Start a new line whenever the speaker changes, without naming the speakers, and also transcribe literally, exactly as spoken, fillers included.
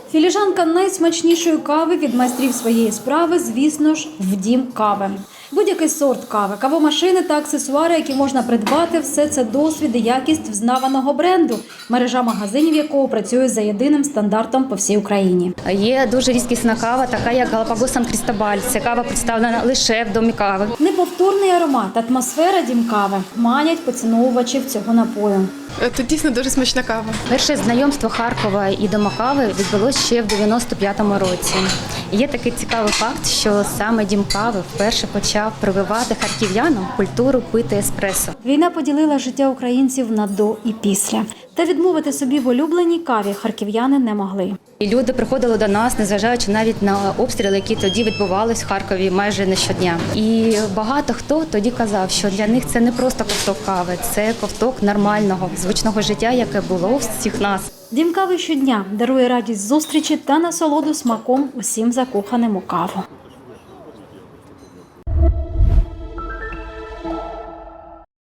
Філіжанка найсмачнішої кави від майстрів своєї справи, звісно ж, в Дім кави. Будь-який сорт кави, кавомашини та аксесуари, які можна придбати – все це досвід і якість взнаваного бренду, мережа магазинів якого працює за єдиним стандартом по всій Україні.
Є дуже різкісна кава, така як Галапагос Сан Крістобаль. Ця кава представлена лише в Домі кави.
Неповторний аромат, атмосфера Дім кави манять поціновувачів цього напою.
Це дійсно дуже смачна кава.
Перше знайомство Харкова і Дома кави відбулося ще в дев'яносто п'ятому році. Є такий цікавий факт, що саме Дім кави вперше почав прививати харків'янам культуру пити еспресо.
Війна поділила життя українців на до і після. Та відмовити собі в улюбленій каві харків'яни не могли.
І люди приходили до нас, незважаючи навіть на обстріли, які тоді відбувались в Харкові майже не щодня. І багато хто тоді казав, що для них це не просто ковток кави, це ковток нормального, звичного життя, яке було у всіх нас.
Дім кави щодня дарує радість зустрічі та насолоду смаком усім закоханим у каву.